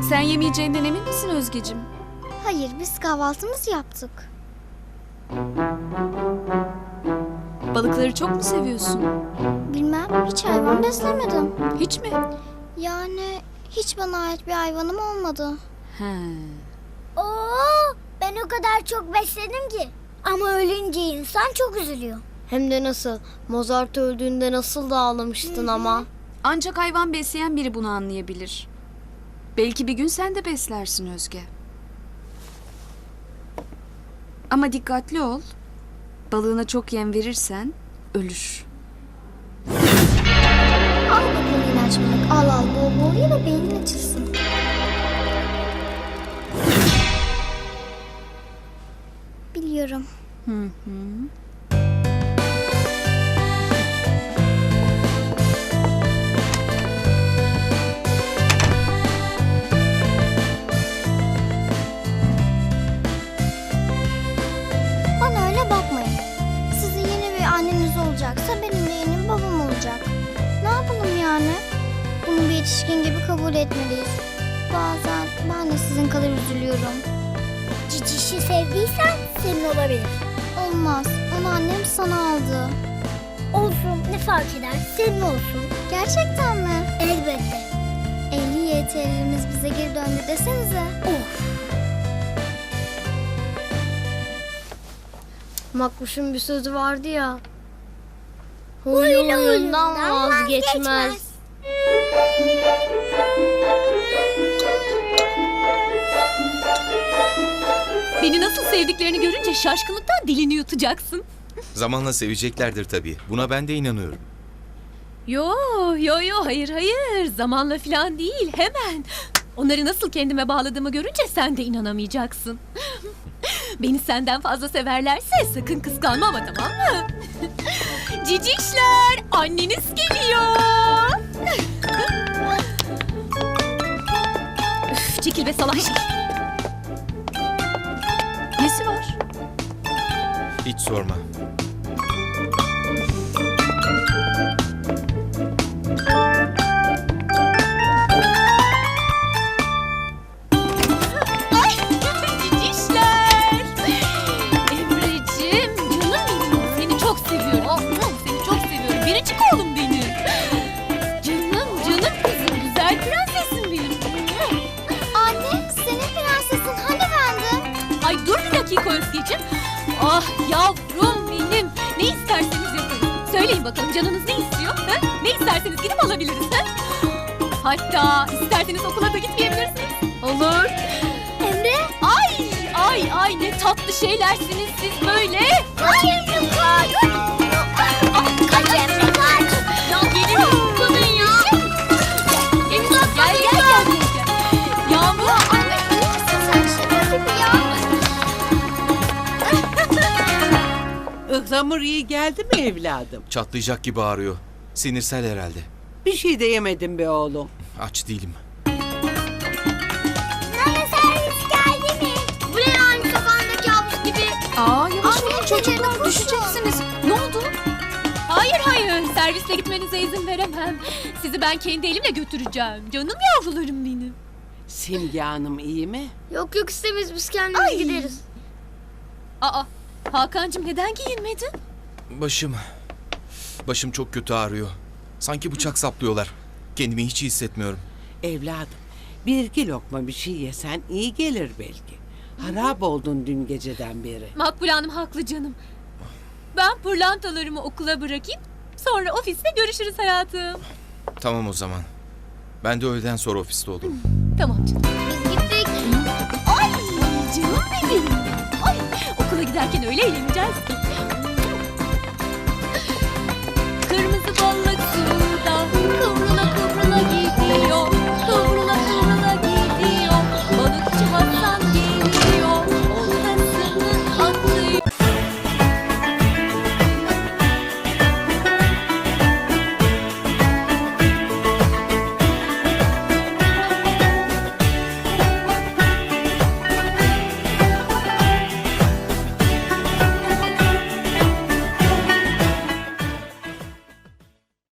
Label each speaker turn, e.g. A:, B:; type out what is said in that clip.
A: Sen yemeyeceğinden emin misin Özgeciğim?
B: Hayır, biz kahvaltımızı yaptık.
A: Balıkları çok mu seviyorsun?
B: Bilmem, hiç hayvan beslemedim.
A: Hiç mi?
B: Yani hiç bana ait bir hayvanım olmadı.
A: He.
C: Oo, ben o kadar çok besledim ki. Ama ölünce insan çok üzülüyor.
D: Hem de nasıl? Mozart öldüğünde nasıl da ağlamıştın ama.
A: Ancak hayvan besleyen biri bunu anlayabilir. Belki bir gün sen de beslersin Özge. Ama dikkatli ol. Balığına çok yem verirsen ölür.
B: Al bakalım ilaç balık. Al bol bol ye de beynin açılsın. Biliyorum. Bana öyle bakmayın. Sizin yeni bir anneniz olacaksa benim de yeni babam olacak. Ne yapalım yani? Bunu bir yetişkin gibi kabul etmeliyiz. Bazen ben de sizin kadar üzülüyorum.
C: Cicişi sevdiysen senin olabilir.
B: Olmaz. Onu annem sana aldı.
C: Olsun, ne fark eder? Senin olsun.
B: Gerçekten mi?
C: Elbette.
B: 50 YTL'imiz bize geri döndü desenize.
D: Makbuş'un bir sözü vardı ya.
C: Huylu
D: Huyundan
C: huyundan
D: vazgeçmez.
E: Beni nasıl sevdiklerini görünce şaşkınlıktan dilini yutacaksın.
F: Zamanla seveceklerdir tabii. Buna ben de inanıyorum.
E: Yo hayır zamanla falan değil hemen. Onları nasıl kendime bağladığımı görünce sen de inanamayacaksın. Beni senden fazla severlerse sakın kıskanma ama, tamam mı? Cicişler, anneniz geliyor. Üf, çekil be salak şey.
A: Nesi var?
F: Hiç sorma.
E: Cicişler. Emreciğim, canım benim. Seni çok seviyorum. Seni çok seviyorum. Biricik oğlum benim. Canım kızım. Güzel prensesim benim.
B: Anne, senin prensesin hani bendim?
E: Ay dur bir dakika Özgeciğim. Ah yavrum benim. Ne isterseniz yaparım. Söyleyin bakalım canınız ne istiyor? Ha? Ne isterseniz gidip alabiliriz. Ha? Hatta isterseniz okula da gitmeyebilirsiniz. Olur.
C: Emre?
E: Ay ne tatlı şeylersiniz siz böyle.
C: Kaç Emre kaç. Kaç Emre kaç.
E: Ya gelin tutun ya. Gel. Yağmur.
B: Anne, iyi misin sen şimdi gibi ya?
G: Ihlamur iyi geldi mi evladım?
F: Çatlayacak gibi ağrıyor. Sinirsel herhalde.
G: Bir şey de yemedim be oğlum.
F: Aç değilim.
C: Nane servis geldi mi?
B: Bu ne yani sokağındaki havuz gibi?
A: Yavaş olun
B: Anne,
A: çocuklar,
B: koşun.
A: düşeceksiniz. Ne oldu?
E: Hayır servisle gitmenize izin veremem. Sizi ben kendi elimle götüreceğim. Canım yavrularım benim.
G: Simge Hanım iyi mi?
D: Yok istemeyiz, biz kendimiz gideriz.
E: Aa Hakan'cığım neden giyinmedin?
F: Başım çok kötü ağrıyor. Sanki bıçak saplıyorlar. Kendimi hiç iyi hissetmiyorum.
G: Evladım, bir iki lokma bir şey yesen iyi gelir belki. Harap oldun dün geceden beri.
E: Makbule Hanım haklı canım. Ben pırlantalarımı okula bırakayım. Sonra ofiste görüşürüz hayatım.
F: Tamam o zaman. Ben de öğleden sonra ofiste olurum.
E: Tamam canım.
B: Biz gittik.
E: Ay canım benim. Ay okula giderken öyle eğleneceğiz ki. Kırmızı balık suda,